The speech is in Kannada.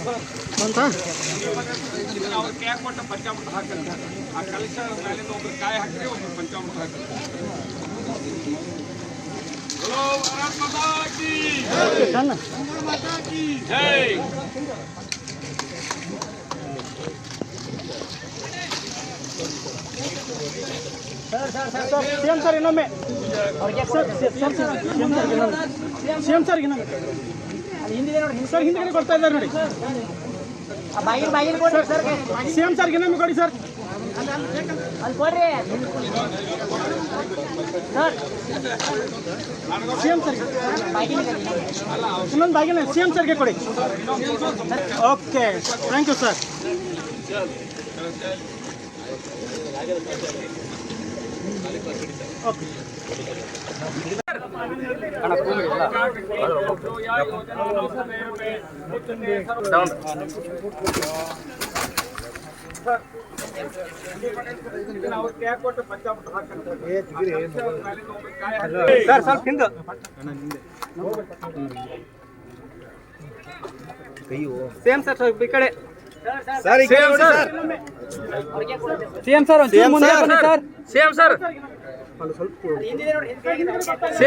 ಅವ್ರು ಕೈ ಕೊಟ್ಟ ಪಂಚಾಮೃತ ಹಾಕಂತ ಆ ಕಲಶ ಮೇಲಿಂದ ಒಬ್ರು ಕಾಯಿ ಹಾಕಿದ್ರೆ ಒಬ್ರು ಪಂಚಾಮೃತ ಹಾಕಿ बोलो भारत माता की जय। सीएम सर इनोम्मे और सीएम सर इनोम्मे सर ಹಿಂದೆ ಕೊಡ್ತಾ ಇದ್ದಾರೆ ನೋಡಿ ಬಾಗಿನ ಕೊಡಿ ಸರ್ सीएम ಸರ್ ಇನೋಮ್ಮೆ ಕೊಡಿ ಸರ್ ಅಲ್ಲಿ ಕೊಡ್ರಿ ಸರ್ सीएम सर ಇನ್ನೊಂದು ಬಾಗಿನ सीएम ಸರ್ಗೆ ಕೊಡಿ okay thank you sir okay sir ಸ್ವಲ್ಪ ಹಿಂದೆ ಸೇಮ್ ಸರ್ ಸ್ವಲ್ಪ ಈ ಕಡೆ same sir same sir same sir